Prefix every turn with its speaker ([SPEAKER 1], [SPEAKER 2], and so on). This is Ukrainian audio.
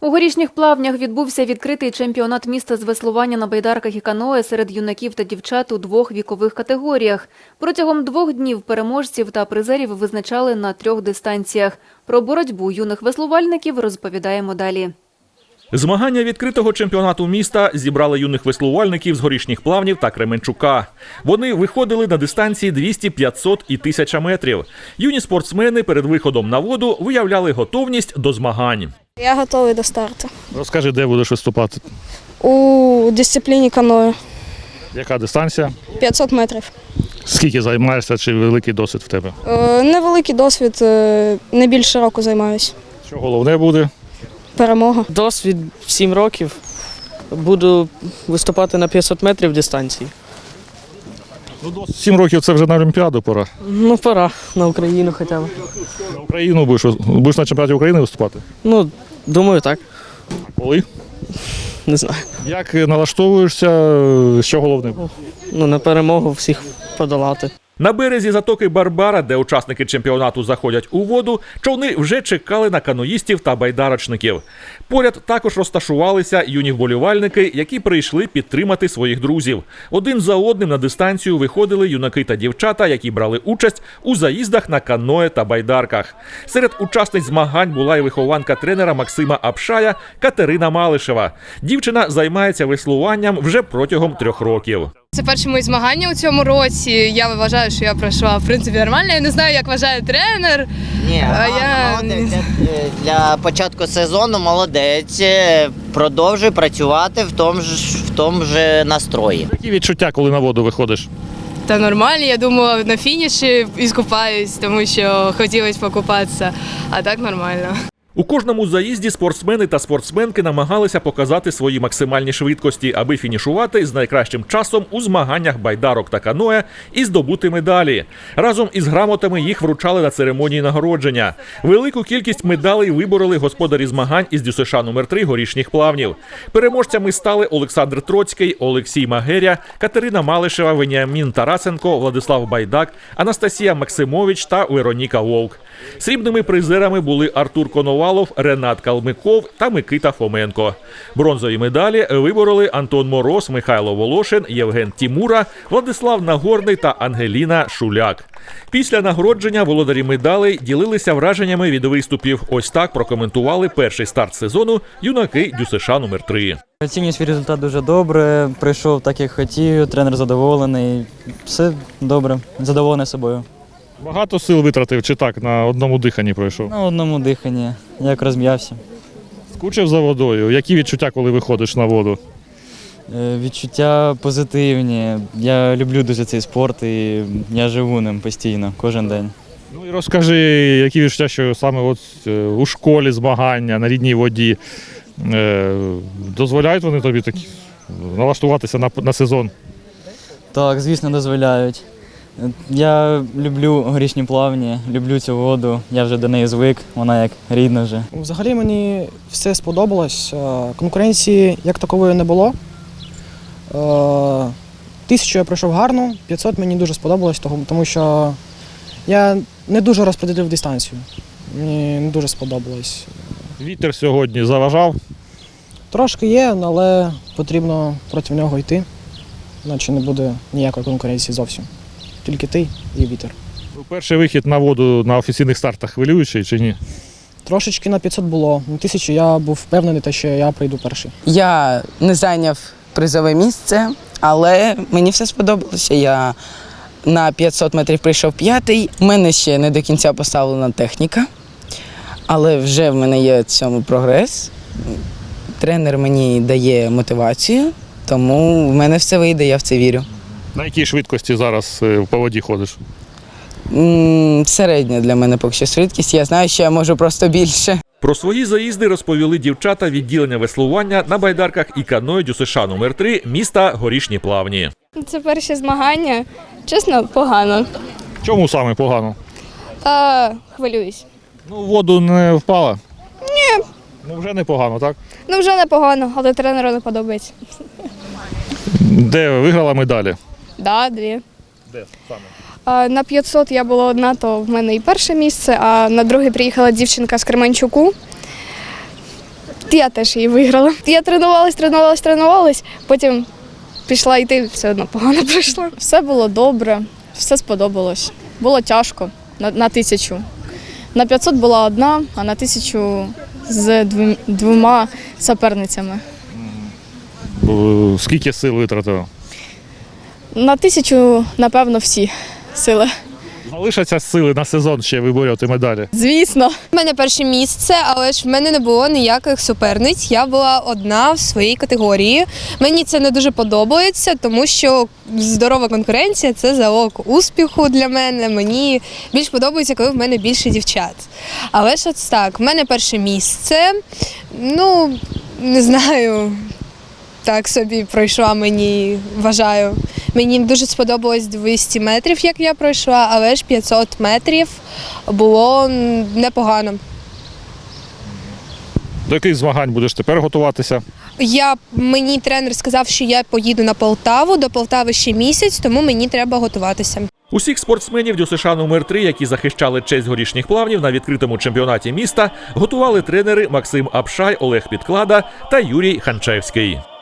[SPEAKER 1] У Горішніх Плавнях відбувся відкритий чемпіонат міста з веслування на байдарках і каное серед юнаків та дівчат у двох вікових категоріях. Протягом 2 днів переможців та призерів визначали на 3 дистанціях. Про боротьбу юних веслувальників розповідаємо далі.
[SPEAKER 2] Змагання відкритого чемпіонату міста зібрали юних веслувальників з Горішніх Плавнів та Кременчука. Вони виходили на дистанції 200, 500 і 1000 метрів. Юні спортсмени перед виходом на воду виявляли готовність до змагань.
[SPEAKER 3] Я готовий до старту.
[SPEAKER 4] Розкажи, де будеш виступати?
[SPEAKER 3] У дисципліні каное.
[SPEAKER 4] Яка дистанція?
[SPEAKER 3] 500 метрів.
[SPEAKER 4] Скільки займаєшся, чи великий досвід в тебе?
[SPEAKER 3] Невеликий досвід, не більше року займаюся.
[SPEAKER 4] Що головне буде?
[SPEAKER 3] Перемога.
[SPEAKER 5] Досвід 7 років. Буду виступати на 500 метрів дистанції.
[SPEAKER 4] 7 років – це вже на Олімпіаду пора.
[SPEAKER 5] Ну, пора на Україну хоча б.
[SPEAKER 4] На Україну будеш на чемпіонаті України виступати?
[SPEAKER 5] Ну, думаю, так.
[SPEAKER 4] Коли?
[SPEAKER 5] Не знаю.
[SPEAKER 4] Як налаштовуєшся, що головне?
[SPEAKER 5] Ну, на перемогу всіх подолати.
[SPEAKER 2] На березі затоки Барбара, де учасники чемпіонату заходять у воду, човни вже чекали на каноїстів та байдарочників. Поряд також розташувалися юні вболівальники, які прийшли підтримати своїх друзів. Один за одним на дистанцію виходили юнаки та дівчата, які брали участь у заїздах на каное та байдарках. Серед учасниць змагань була і вихованка тренера Максима Апшая Катерина Малишева. Дівчина займається веслуванням вже протягом 3 років.
[SPEAKER 6] Це перші мої змагання у цьому році. Я вважаю, що я пройшла, в принципі, нормально. Я не знаю, як вважає тренер.
[SPEAKER 7] Ні, молодець. Для початку сезону молодець. Продовжуй працювати в тому ж настрої.
[SPEAKER 4] Які відчуття, коли на воду виходиш?
[SPEAKER 6] Та нормально, я думала, на фініші іскупаюсь, тому що хотілося покупатися, а так нормально.
[SPEAKER 2] У кожному заїзді спортсмени та спортсменки намагалися показати свої максимальні швидкості, аби фінішувати з найкращим часом у змаганнях байдарок та каное і здобути медалі. Разом із грамотами їх вручали на церемонії нагородження. Велику кількість медалей вибороли господарі змагань із ДЮСШ номер 3 Горішніх Плавнів. Переможцями стали Олександр Троцький, Олексій Магеря, Катерина Малишева, Веніамін Тарасенко, Владислав Байдак, Анастасія Максимович та Вероніка Вовк. Срібними призерами були Артур Коновалов, Ренат Калмиков та Микита Фоменко. Бронзові медалі вибороли Антон Мороз, Михайло Волошин, Євген Тімура, Владислав Нагорний та Ангеліна Шуляк. Після нагородження володарі медалей ділилися враженнями від виступів. Ось так прокоментували перший старт сезону юнаки ДЮСШ номер 3.
[SPEAKER 8] Оцінюю свій результат дуже добре, прийшов так, як хотів, тренер задоволений, все добре, задоволений собою.
[SPEAKER 4] Багато сил витратив чи так, на одному диханні пройшов?
[SPEAKER 8] На одному диханні, як розм'явся.
[SPEAKER 4] Скучив за водою? Які відчуття, коли виходиш на воду?
[SPEAKER 8] Відчуття позитивні. Я люблю дуже цей спорт і я живу ним постійно, кожен день.
[SPEAKER 4] Ну і розкажи, які відчуття, що саме от у школі змагання на рідній воді, дозволяють вони тобі такі налаштуватися на сезон?
[SPEAKER 8] Так, звісно, дозволяють. Я люблю Горішні Плавні, люблю цю воду, я вже до неї звик, вона як рідна вже.
[SPEAKER 9] Взагалі мені все сподобалось, конкуренції як такової не було. 1000 я пройшов гарно, 500 мені дуже сподобалось, тому що я не дуже розподілив дистанцію, мені не дуже сподобалось.
[SPEAKER 4] Вітер сьогодні заважав?
[SPEAKER 9] Трошки є, але потрібно проти нього йти, іначе не буде ніякої конкуренції зовсім. Тільки ти і вітер.
[SPEAKER 4] Перший вихід на воду на офіційних стартах хвилюючий чи ні?
[SPEAKER 9] Трошечки на 500 було. На 1000 я був впевнений, що я прийду перший.
[SPEAKER 10] Я не зайняв призове місце, але мені все сподобалося. Я на 500 метрів прийшов 5-й. У мене ще не до кінця поставлена техніка, але вже в мене є в цьому прогрес. Тренер мені дає мотивацію, тому в мене все вийде, я в це вірю.
[SPEAKER 4] На якій швидкості зараз по воді ходиш?
[SPEAKER 10] Середня для мене поки що швидкість. Я знаю, що я можу просто більше.
[SPEAKER 2] Про свої заїзди розповіли дівчата відділення веслування на байдарках і каное ДЮСШ номер 3 міста Горішні Плавні.
[SPEAKER 3] Це перші змагання. Чесно, погано.
[SPEAKER 4] Чому саме погано?
[SPEAKER 3] Хвилююсь.
[SPEAKER 4] Ну, в воду не впала?
[SPEAKER 3] Ні.
[SPEAKER 4] Ну, вже непогано, так?
[SPEAKER 3] Ну, вже непогано, але тренеру не подобається.
[SPEAKER 4] Де виграла медалі?
[SPEAKER 3] Да, 2.
[SPEAKER 4] Де саме?
[SPEAKER 3] На 500 я була одна, то в мене і перше місце, а на друге приїхала дівчинка з Кременчуку. Я теж її виграла. Я тренувалась, потім пішла йти, все одно погано пройшла.
[SPEAKER 11] Все було добре, все сподобалось. Було тяжко на 1000. На 500 була одна, а на 1000 з двома суперницями.
[SPEAKER 4] Скільки сил витратила?
[SPEAKER 11] На 1000, напевно, всі сили.
[SPEAKER 4] Залишаться сили на сезон ще виборювати медалі?
[SPEAKER 11] Звісно.
[SPEAKER 6] У мене перше місце, але ж в мене не було ніяких суперниць. Я була одна в своїй категорії. Мені це не дуже подобається, тому що здорова конкуренція – це залог успіху для мене. Мені більш подобається, коли в мене більше дівчат. Але ж от так, в мене перше місце, ну, не знаю, так собі пройшла, мені, вважаю. Мені дуже сподобалось 200 метрів, як я пройшла, але ж 500 метрів було непогано.
[SPEAKER 4] До яких змагань будеш тепер готуватися?
[SPEAKER 6] Мені тренер сказав, що я поїду на Полтаву, до Полтави ще місяць, тому мені треба готуватися.
[SPEAKER 2] Усіх спортсменів ДЮСШ номер 3, які захищали честь горішніх плавнів на відкритому чемпіонаті міста, готували тренери Максим Апшай, Олег Підклада та Юрій Ханчевський.